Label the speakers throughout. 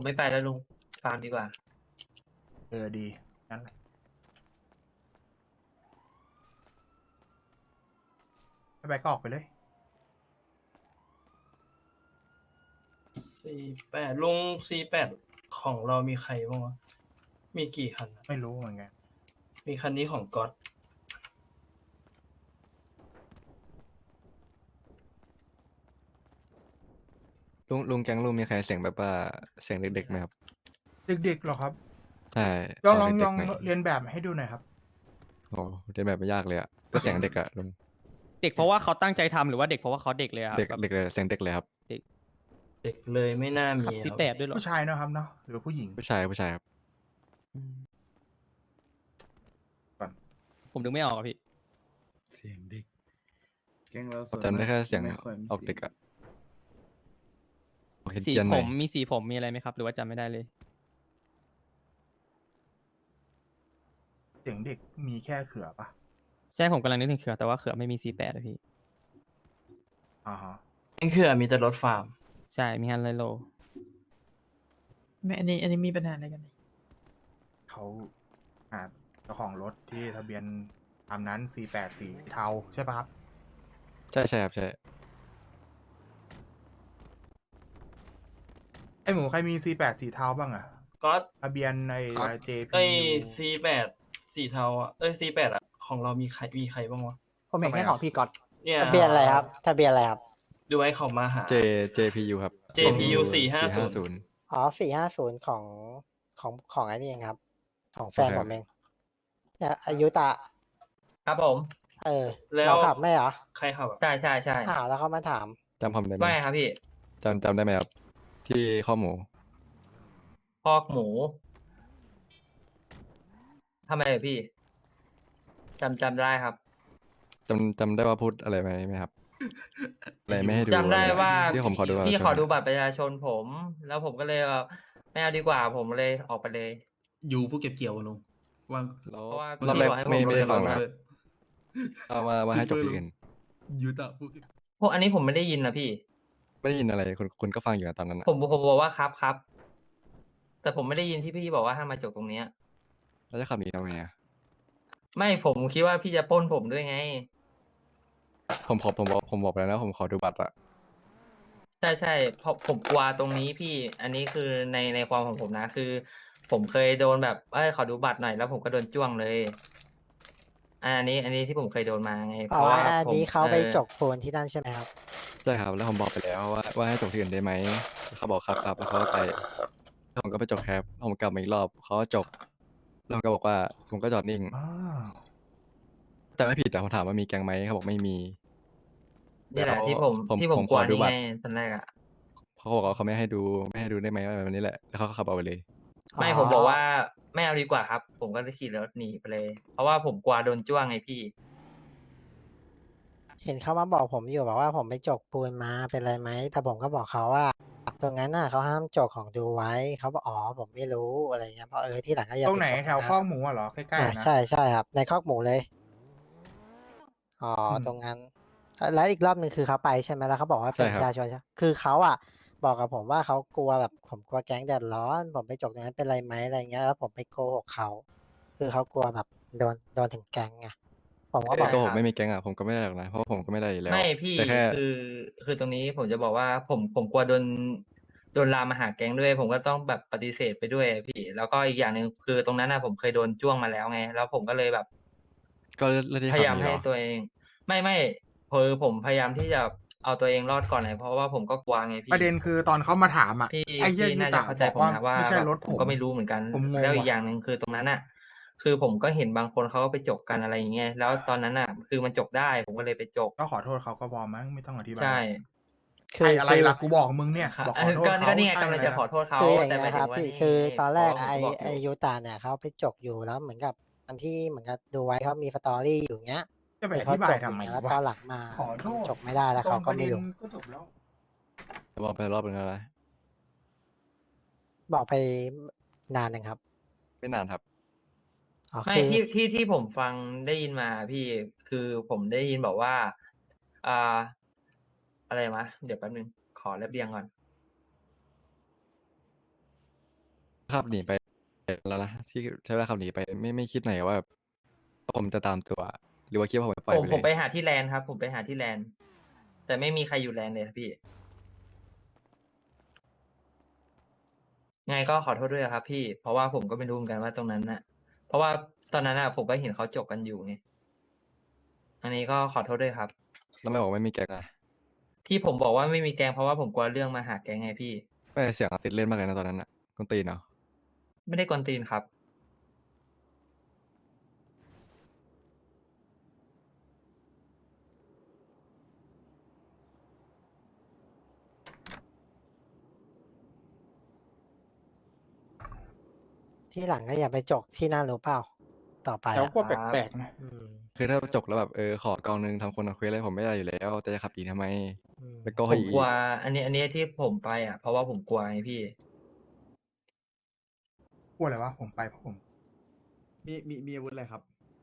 Speaker 1: ผมไม่ไปแล้วลุงฟาร์มดีกว่า
Speaker 2: ดีงั้นแหละไม่ไปก็ออกไปเลย
Speaker 1: 48ลุง48ของเรามีใครบ้างวะมีกี่คันอะ
Speaker 2: ไม่รู้เหมือนกัน
Speaker 1: มีคันนี้ของก๊อต
Speaker 3: ลุงแก๊งลุงมีใครเสียงแบบว่าเสียงเด็กๆไหมครับ
Speaker 2: เด็กๆเหรอครับ
Speaker 3: ใช่
Speaker 2: ลอง
Speaker 3: ข
Speaker 2: ลอง
Speaker 3: เด็
Speaker 2: ล
Speaker 3: ก
Speaker 2: อง
Speaker 3: ๆหน่อย
Speaker 2: เรียนแบบให้ดูหน่อยครับ
Speaker 3: โอ้เรียนแบบไม่ยากเลยอะก็เสียงเด็กอะลุง
Speaker 4: เด็กเพราะว่าเขาตั้งใจทำหรือว่าเด็กเพราะว่าเขาเด็กเลยอะ
Speaker 3: เด็ก
Speaker 4: แบบ
Speaker 3: เด็กเลยเสียงเด็กเลยครับ
Speaker 1: เด็กเลยไม่น่ามี
Speaker 4: ขับ
Speaker 1: ค
Speaker 4: ซี
Speaker 1: รับ
Speaker 4: แปดด้วยเหรอ
Speaker 2: ผู้ชายเนอะครับเนาะหรือผู้หญิง
Speaker 3: ผู้ชายครับ
Speaker 4: อืม
Speaker 2: ก่อน
Speaker 4: ผมดึงไม่ออกอะพี่
Speaker 5: เสียงเด็ก แก๊งเรา
Speaker 3: ผมจำได้แค่เสียง
Speaker 5: ไม่ค่อยมี
Speaker 3: ออกเด็กอะโอเค
Speaker 4: สี
Speaker 3: เจียนห
Speaker 4: ผ
Speaker 3: น่อย
Speaker 4: มมีสีผมมีอะไรไหมครับ หรือว่าจำไม่ได้เลย
Speaker 2: เสียงเด็กมีแค่เขือปะ
Speaker 4: ใช่ผมกำลังนึกถึงเขือแต่ว่าเขือไม่มีสีแปดอะพี่
Speaker 2: อ่าฮะ
Speaker 1: นี่คือมีแต่รถฟาร์ม
Speaker 4: ใช่มีฮันไลโล
Speaker 6: ไม่อันนี้มีปัญหาอะไรกันเนี่ย
Speaker 2: เขาเจ้าของรถที่ทะเบียนตามนั้น48สีเทาใช่ปะครับ
Speaker 3: ใช่ครับใช่
Speaker 2: ไอหมูใครมี48สีเทาบ้างอะ
Speaker 1: ก๊อต
Speaker 2: ทะเบียนใน
Speaker 5: ครับ
Speaker 2: JP
Speaker 1: ไอ้48สีเทาอ่ะ48อ่ะของเรามีใครบ้างวะ
Speaker 7: ผมเห็นแค่ของพี่ก๊อต
Speaker 1: เนี่ย
Speaker 7: ทะเบียนอะไรครับ ทะเบียนอะไรครับ
Speaker 1: ดูไว้เขามาหา
Speaker 3: JPU ครับ
Speaker 1: JPU 450
Speaker 3: 450
Speaker 7: อ๋อ450ของไอ้นี่เองครับ ของแฟน
Speaker 3: โอเค
Speaker 7: ผมเองเนี่ยอายุตะ
Speaker 1: ครับผม แล้ว
Speaker 7: เราขับไม่เหรอ
Speaker 1: ใครขับอะ
Speaker 6: ใช่ใช่ใช่
Speaker 7: อ้าวแล้วเขามาถาม
Speaker 3: จำผมได้ไหม
Speaker 6: ว่าไงครับพี่
Speaker 3: จำได้ไหมครับ ที่ข้อหมู
Speaker 6: พอกหมูทำไมเหรอพี่จำได้ครับ
Speaker 3: จำได้ว่าพูดอะไรไหมครับ อะไรไม่ให้ดู
Speaker 6: จำได้
Speaker 3: อะไร
Speaker 6: ว่า
Speaker 3: ที่ผมขอดูบัตร
Speaker 6: พี่
Speaker 3: ประชาชน
Speaker 6: ขอดูบัตรประชาชนผม แล้วผมก็เลยไม่เอาดีกว่าผมเลยออกไปเลย
Speaker 5: อยู่ผู้เก็บเกี่ยวอะลุงว่าง
Speaker 3: แล้ว
Speaker 6: เพราะว่า
Speaker 3: รอบแรก
Speaker 6: พี่บอกให้ผม
Speaker 3: ไม่ได้
Speaker 6: ลง
Speaker 3: ฟัง
Speaker 6: รถ
Speaker 3: นะ
Speaker 6: เลย
Speaker 3: เอามาให้จบที่อื่น
Speaker 5: อยู่แต่ผู้เก็บ
Speaker 6: พวกอันนี้ผมไม่ได้ยินนะพี่
Speaker 3: ไม่ได้ยินอะไรคุณก็ฟังอยู่นะตอนนั้นนะ
Speaker 6: ผมบอกว่าครับ แต่ผมไม่ได้ยินที่พี่บอกว่าห้ามมาจบตรงเนี้ย
Speaker 3: แล้วจะขับหนีทำไงอะ
Speaker 6: ไม่ผมคิดว่าพี่จะปล้นผมด้วยไง
Speaker 3: ผมบอกไปแล้วนะผมขอดูบัตรอะ
Speaker 6: ใช่เพราะผมกลัวตรงนี้พี่ อันนี้คือในความของผมนะ คือ ผมเคยโดนแบบขอดูบัตรหน่อยแล้วผมก็โดนจ้วงเลย อันนี้ที่ผมเคยโดนมาไง เพ
Speaker 7: อ๋อ
Speaker 6: ราะว่า
Speaker 7: อัน
Speaker 6: ผม
Speaker 7: นี้เขาไปจกปูนที่นั่นใช่ไหมครับ
Speaker 3: ใช่ครับแล้วผมบอกไปแล้วว่าให้จบที่อื่นได้ไหมเขาบอกครับแล้วเขาก็ไปแล้วผมก็ไปจบแคปผมกลับมาอีกรอบเขาก็จบแล้วผมก็บอกว่าผมก็จอดนิ่ง
Speaker 2: อ้าว
Speaker 3: แต่ไม่ผิดแต่ผมถามว่ามีแก๊งไหมเขาบอกไม่มี
Speaker 6: นี่แหละ
Speaker 3: แล้ว
Speaker 6: ที่ผม
Speaker 3: ผม
Speaker 6: ก
Speaker 3: ข
Speaker 6: ลัว
Speaker 3: อดู
Speaker 6: นี่
Speaker 3: บั
Speaker 6: ไง
Speaker 3: ตร
Speaker 6: ตอนแรกอะ
Speaker 3: เขาบอกว่าเขาไม่ให้ดูได้ไหมแบบนี้แหละแล้วเขาก็ขับเอาไปเลย
Speaker 6: ไม่
Speaker 7: อ๋อ
Speaker 6: ผมบอกว่าไม่เอาดีกว่าครับ ผมก็เลยขี่รถหนีไปเลย เพราะว่าผมกลัวโดนจ้วงไงพี่
Speaker 7: เห็นเขามาบอกผมอยู่บอกว่าผมไปจกปูนมาเป็นไรไหมแต่ผมก็บอกเขาว่า ตรงนั้นน่ะเขาห้ามจกของดูไว้เขาบอกอ๋อผมไม่รู้อะไรเงี้ยเพราะที่หลังก็อย่า
Speaker 2: ตร
Speaker 7: ไป
Speaker 2: งไหน
Speaker 7: จก
Speaker 2: แถว
Speaker 7: นะ
Speaker 2: ข้อกหมูอะเหรอ ใกล้ๆนะ
Speaker 7: ใช่ครับ ในคอกหมูเลยอ๋อตรงนั้นแล้วอีกรอบหนึ่งคือเขาไปใช่ไหมแล้วเขาบอกว่าเป็น
Speaker 3: ใช่
Speaker 7: ป
Speaker 3: ครับ
Speaker 7: ระชาชนใช่คือเขาอ่ะ บอกกับผมว่าเขากลัวแบบผมกลัวแก๊งเดือดร้อน ผมไปจกตรงนั้นเป็นไรไหมอะไรเงี้ยแล้วผมไปโกหกเขาคือเขากลัวแบบโดนถึงแก๊งไงผมก็บ
Speaker 3: ไอ้
Speaker 7: อก
Speaker 3: โกหกไม่มีแก๊งอะผมก็ไม่ได้หรอกนะเพราะว่าผมก็ไม่ได้อยู่แล้ว
Speaker 6: ไม่พี่
Speaker 3: แต่แค่
Speaker 6: คือตรงนี้ผมจะบอกว่าผมกลัวโดนลามมาหาแก๊งด้วย ผมก็ต้องแบบปฏิเสธไปด้วยพี่ แล้วก็อีกอย่างหนึ่งคือตรงนั้นนะผมเคยโดนจ้วงมาแล้วไง แล้วผมก็เลยแบบ
Speaker 3: ก็เลือกที่
Speaker 6: พ
Speaker 3: ขั
Speaker 6: ยา
Speaker 3: บ
Speaker 6: ยาม
Speaker 3: หนี
Speaker 6: ให้
Speaker 3: เหรอ
Speaker 6: ตัวเอง ไม่คือผมพยายามที่จะเอาตัวเองรอดก่อนไงเพราะว่าผมก็กลัวไงพี่
Speaker 2: ประเด็นคือตอนเขามาถามอะ
Speaker 6: พี่
Speaker 2: ไอ้เหี้ย
Speaker 6: พี่
Speaker 2: ยู
Speaker 6: น่า
Speaker 2: ตะ
Speaker 6: จะเข้าใจ
Speaker 2: บอก
Speaker 6: ผม
Speaker 2: ว่า
Speaker 6: นะว่า
Speaker 2: ไม่ใช่
Speaker 6: แบบ
Speaker 2: รถ
Speaker 6: ผมก็ไม่รู้เหมือนกัน
Speaker 2: ผมงง
Speaker 6: แล้วอีก
Speaker 2: ว่ะ
Speaker 6: อย่างหนึ่งคือตรงนั้นอ่ะ คือผมก็เห็นบางคนเขาก็ไปจกกันอะไรอย่างเงี้ยแล้วตอนนั้นอ่ะ คือมันจกได้ผมก็เลยไปจก
Speaker 2: ก็ขอโทษเขาก็พอมั้งไม่ต้องอธิบาย
Speaker 6: ใช่
Speaker 7: คือ
Speaker 2: ไอ้อะไรล่ะกูบอกมึงเนี่ย
Speaker 6: ครับ
Speaker 2: บอกขอโทษ
Speaker 6: ก็
Speaker 2: เขา
Speaker 6: ก็นี่ไง
Speaker 2: ใช่
Speaker 6: กำลังจะ
Speaker 2: ไร
Speaker 6: ขอโทษเขา
Speaker 7: คืออย่าง
Speaker 6: แต่ห
Speaker 7: เงี้
Speaker 6: มาย
Speaker 7: ย
Speaker 6: ถึ
Speaker 7: ครั
Speaker 6: ง
Speaker 7: บ
Speaker 6: ว่า
Speaker 7: พี่
Speaker 6: นี่
Speaker 7: คือตอนแรก
Speaker 6: เพราะว่า
Speaker 7: ไอ
Speaker 6: ผมบอก
Speaker 7: ไอยูตาเนี่ยเขาไปจกอยู่แล้วเหมือนกับอันที่เหมือนกับดูไว้เขามีสตอรี่อยู่เงี้ย
Speaker 2: จะไป
Speaker 7: แต่
Speaker 2: อ
Speaker 7: เขา
Speaker 2: ธิบา
Speaker 7: จ
Speaker 2: ย
Speaker 7: กอ
Speaker 2: ทำ
Speaker 7: ยู่
Speaker 2: ไม
Speaker 7: แล้ว
Speaker 2: วะ
Speaker 7: ตอนหลังมา
Speaker 2: ขอโทษ
Speaker 7: จกไม่ได้แล้วเขาก็ไม่รู้
Speaker 2: ตรงประเด็นก็จบแล้ว
Speaker 3: บอกไปรอบนึงแล้วนะ
Speaker 7: บอกไปนานหนึ่งครับ
Speaker 3: ไม่นานครับ
Speaker 7: อ๋อ
Speaker 6: ไม่
Speaker 7: คือ
Speaker 6: ที่ผมฟังได้ยินมาพี่คือผมได้ยินบอกว่า อ่า อะไรวะเดี๋ยวแป๊บนึงขอเรียบเรียงก่อน
Speaker 3: ขับหนีไปแล้วนะที่ใช้เวลาขับหนีไปไม่คิดหน่อยว่าผมจะตามตัว หรือว่าคิดว่าผมจะปล่อย
Speaker 6: ผม
Speaker 3: ไป
Speaker 6: ผม
Speaker 3: เล
Speaker 6: ไป
Speaker 3: ย
Speaker 6: หาที่แลนด์ครับ ผมไปหาที่แลนด์แต่ไม่มีใครอยู่แลนด์เลยครับพี่ ไงก็ขอโทษด้วยครับพี่ เพราะว่าผมก็ไม่รู้เหมือนกันว่าตรงนั้นน่ะ เพราะว่าตอนนั้นน่ะผมก็เห็นเขาจบกันอยู่ไง อันนี้ก็ขอโทษด้วยครับ
Speaker 3: แล้วไม่บอกไม่มีแก๊งอะ
Speaker 6: ที่ผมบอกว่าไม่มีแกงเพราะว่าผมกลัวเรื่องมาหาแกงไงพี่
Speaker 3: ไม่เสียงติดเล่นมากเลยนะตอนนั้นอะกวนตีนเนาะ
Speaker 6: ไม่ได้กวนตีนครับ
Speaker 7: ที่หลังก็อย่าไปจกที่นั่นรู้เปล่า ต่อไป
Speaker 2: แล้ว
Speaker 7: อ่ะ
Speaker 2: ก็แปลกๆนะ
Speaker 7: อืม
Speaker 3: คือถ้าจบแล้วแบบขอกองนึงทำคนละเควสอะไรผมไม่ได้อยู่แล้ว แต่จะขับหนีทำไม
Speaker 7: อืม
Speaker 3: แล้วก็
Speaker 6: ผ
Speaker 3: ให้
Speaker 6: มกลัว อันนี้ที่ผมไปอ่ะ เพราะว่าผมกลัวไงพี่
Speaker 2: กลัวอะไรวะผมไปเพราะผม
Speaker 5: มีอาวุธอะไรครับ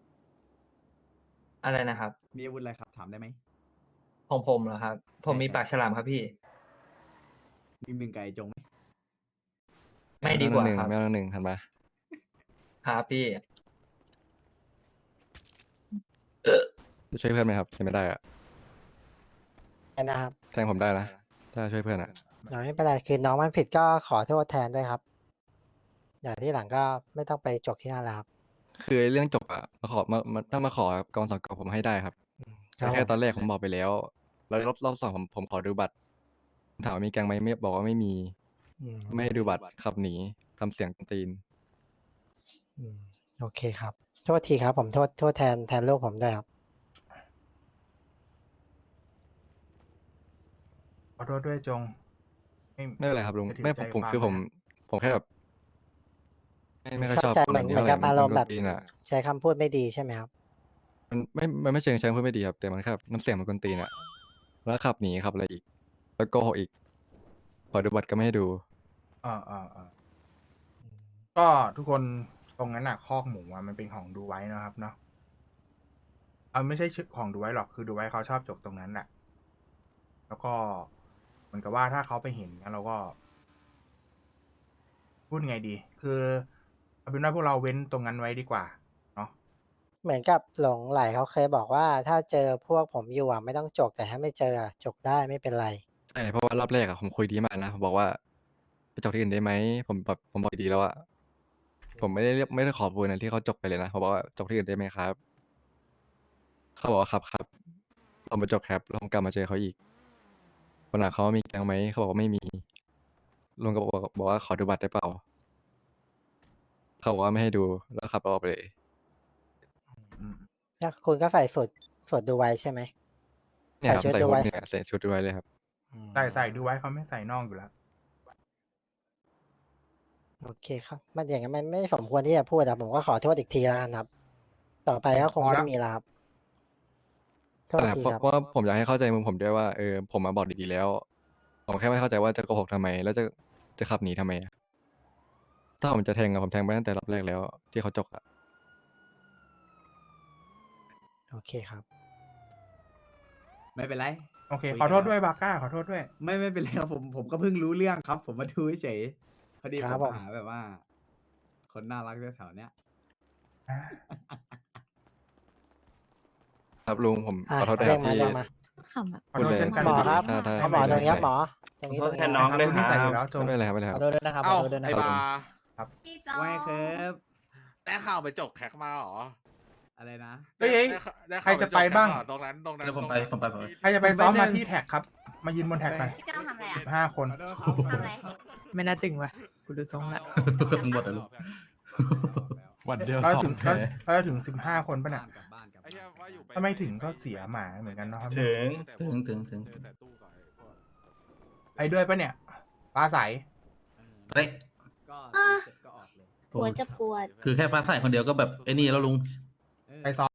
Speaker 6: อะไรนะครับ
Speaker 5: มีอาวุธอะไรครับ ถามได้ไหม
Speaker 6: ของผมเหรอครับ ผมมี
Speaker 5: ใช่
Speaker 6: ปากฉลามครับพี่
Speaker 5: มีมึงไก่จงไหม
Speaker 6: ไม่ดีกว่า
Speaker 3: หนึ่ง
Speaker 6: ครับ
Speaker 3: ไม่เอาหนึ่งทันปะ
Speaker 6: ครับพี่
Speaker 3: จะช่วยเพื่อนไหมครับช่วยไม่ได้อะ
Speaker 7: นะครับ
Speaker 3: แทงผมได้นะถ้าช่วยเพื่อนอะ
Speaker 7: เราไม่เป็นไรคือน้องมันผิดก็ขอโทษแทนด้วยครับ อย่างที่หลังก็ไม่ต้องไปจกที่นั่นแล้วครับ
Speaker 3: คือไอ้เรื่องจบอะมาขอมาถ้ามาขอกองสองกองผมให้ได้ครับ
Speaker 7: ครับ
Speaker 3: แต่แค่
Speaker 7: ผม
Speaker 3: ตอนแรกผมบอกไปแล้ว แล้วรอบสองผมขอดูบัตรถามว่ามีแกงไหมไม่บอกว่าไม่มี
Speaker 7: อืม
Speaker 3: ไม่ให้ดูบัตรขับหนีทำเสียงตีน
Speaker 7: อืมโอเคครับ โทษทีครับ ผมโทษแทนลูกผมด้วยครับ
Speaker 2: ขอโทษด้วยจง
Speaker 3: ไม่เป็นไรครับลุง
Speaker 2: จะถือ
Speaker 3: ไม่
Speaker 2: ใจ
Speaker 3: ผม
Speaker 2: ความ
Speaker 3: คือผม
Speaker 2: นะ
Speaker 3: ผมแค่แบบไม่ค่อยช
Speaker 7: เข้า
Speaker 3: อบ
Speaker 7: ใจ
Speaker 3: คน
Speaker 7: เห
Speaker 3: แบ
Speaker 7: มือน
Speaker 3: บนี้
Speaker 7: เหมื
Speaker 3: เท่า
Speaker 7: อน
Speaker 3: ไหร่
Speaker 7: กับ
Speaker 3: มัน
Speaker 7: อาร
Speaker 3: ค
Speaker 7: ม
Speaker 3: น
Speaker 7: ณ์แบบ
Speaker 3: ตีนอะ
Speaker 7: ใช้คำพูดไม่ดีใช่ไหมครับ
Speaker 3: มันไม่เชิงพูดไม่ดีครับ แต่มันแค่น้ำเสียงมันกวนตีนอะแล้วขับหนีขับอะไรอีก แล้วโกหกอีกขอดูบัตรก็ไม่ให้ดู
Speaker 2: ก็ทุกคนตรงนั้นน่ะคอกหมูอ่ะมันเป็นของดูไว้นะครับเนาะไม่ใช่ชื่อของดูไว้หรอกคือดูไว้เขาชอบจกตรงนั้นน่ะ แล้วก็เหมือนกับว่าถ้าเขาไปเห็นงั้นเราก็ พูดไงดี คือเอาเป็นว่าพวกเราเว้นตรงนั้นไว้ดีกว่าเนาะ
Speaker 7: เหมือนกับหลงไหลเขาเคยบอกว่าถ้าเจอพวกผมอยู่อ่ะไม่ต้องจกแต่ถ้าไม่เจออ่ะจกได้ไม่เป็นไร
Speaker 3: ใช่เพราะว่ารอบแรกอะผมคุยดีมากนะผมบอกว่าไปจบที่อื่นได้ไหมผมบอกดีแล้วอะผมไม่ได้ขอปูนนะที่เขาจบไปเลยนะผมบอกว่าจบที่อื่นได้ไหมครับเขาบอกว่าครับผมไปจบครับแล้วผมกลับมาเจอเขาอีกวันหลังเขามีแกงไหมเขาบอกว่าไม่มีลุงก็บอกว่าขอดูบัตรได้เปล่าเขาบอกว่าไม่ให้ดูแล้วขับออกไปเลย
Speaker 2: อืม
Speaker 7: แล้วคุณก็ใส่สูตรดูไว้ใช่ไหม
Speaker 3: เนี่ยครับ
Speaker 7: ชุด
Speaker 3: ใส่
Speaker 7: ดู
Speaker 3: ชุด
Speaker 7: ไว้
Speaker 3: เนี่ยใส่ชุดดูไว้เลยครับ
Speaker 2: ใส่ดูไว้เขาไม่ใส่นอกอยู่แล้ว
Speaker 7: โอเคครับ มันอย่างนั้นมันไม่สมควรที่จะพูดอะผมก็ขอโทษอีกทีแล้วกันครับ ต่อไปก็คง
Speaker 2: พอแล้
Speaker 7: ไม่
Speaker 2: ว
Speaker 7: มีแล้วครับ โทษ
Speaker 3: แต่
Speaker 7: ที
Speaker 3: เพราะ
Speaker 7: ครับ
Speaker 3: เพราะว่าผมอยากให้เข้าใจมุมผมด้วยว่าผมมาบอกดีๆแล้ว ผมแค่ไม่เข้าใจว่าจะโกหกทำไม แล้วจะขับหนีทำไมอะถ้าผมจะแทงอะผมแทงไปตั้งแต่รอบแรกแล้ว ที่เขาจกอะ
Speaker 7: โอเคครับ
Speaker 5: ไม่เป็นไร
Speaker 2: โอเค
Speaker 5: คุย
Speaker 2: ขอโทษ
Speaker 5: กัน
Speaker 2: ด้วยบาก้าขอโทษด้วย
Speaker 5: ไม่เป็นไรครับผมก็เพิ่งรู้เรื่องครับ ผมมาดูเฉยพอดี
Speaker 7: ครับ
Speaker 5: ผม
Speaker 7: ผม
Speaker 5: หาแบบว่า คนน่ารักแถวๆเนี้ย
Speaker 3: ครับลุงผม
Speaker 7: อ่ะ
Speaker 3: ขอโทษด้วยครับ
Speaker 7: เรี
Speaker 3: ที่
Speaker 7: ยกมา
Speaker 8: ขำแบบ
Speaker 2: ขอโทษ
Speaker 3: พูดเลย
Speaker 2: เช่นกัน
Speaker 7: หมอครับ
Speaker 3: ถ้า
Speaker 7: หมอตรงเนี้ยหมอต
Speaker 1: ข
Speaker 7: ร
Speaker 1: อง
Speaker 7: นี้
Speaker 1: โท
Speaker 7: ตร
Speaker 1: ษ
Speaker 7: ง
Speaker 1: แท
Speaker 7: นี้
Speaker 1: นน้องด้วย
Speaker 2: คุณ
Speaker 1: ค
Speaker 2: นิ
Speaker 1: รั
Speaker 2: สัยอยู่
Speaker 1: บ
Speaker 2: แล้วจง
Speaker 3: ไม่เป็นไรครับไม่เป็นไรครับ
Speaker 4: ขอโทษด้วยนะครับ ขอโทษด้วยนะค
Speaker 9: เอ้า
Speaker 4: รับ
Speaker 9: ไอ้บา
Speaker 7: ครับ
Speaker 8: พี่จอ
Speaker 5: ว่าไงครับ
Speaker 9: ได้ข่าวไปจกแขกมาเหรอ
Speaker 5: อะไรนะ
Speaker 2: เฮ้ย
Speaker 9: ได้
Speaker 2: ใคร
Speaker 9: ข่าว
Speaker 2: จะ
Speaker 9: จก
Speaker 2: ไป
Speaker 9: แขก
Speaker 2: บ้าง
Speaker 9: เหรอตรงนั้น
Speaker 5: เดี๋ยวผมไป
Speaker 9: ตรงนั้น
Speaker 2: ใครจะไปซ้อมมาที่แท็กครับ มายืนบนแท็กหน่อย
Speaker 8: พี่จอทำอะไรอ่ะ
Speaker 2: 15 คน
Speaker 5: ขอโทษครับ
Speaker 8: ทำอะไร
Speaker 10: ไม่น่าตึงว่ะกูดูทรงละ
Speaker 9: ทั้งหมดเลยลูก
Speaker 3: วันเดียว
Speaker 2: เรา
Speaker 3: สอ
Speaker 2: ถึ
Speaker 3: ง
Speaker 2: ง
Speaker 3: แพ้
Speaker 2: เราถึง 15 คนป่ะเนี่ย
Speaker 5: กลับบ้านกลับ
Speaker 9: ไอ้
Speaker 5: บ้าน
Speaker 9: เหี้ยว่าอยู่ป
Speaker 2: ถ้าไม่ถึงก็เสียหมาเหมือนกันเนาะครับ
Speaker 1: ถึง
Speaker 9: ถึงแต่ตู้ก่อนไอ้พวก
Speaker 2: ไปด้วยป่ะเนี่ยปลาใส
Speaker 5: เฮ้ยก็เสร็จก็ออกเลย
Speaker 8: หัวจะปวด
Speaker 5: คือแค่ฟ้าใสคนเดียวก็แบบไอ้นี่แล้วลุง
Speaker 2: ไปซ้อม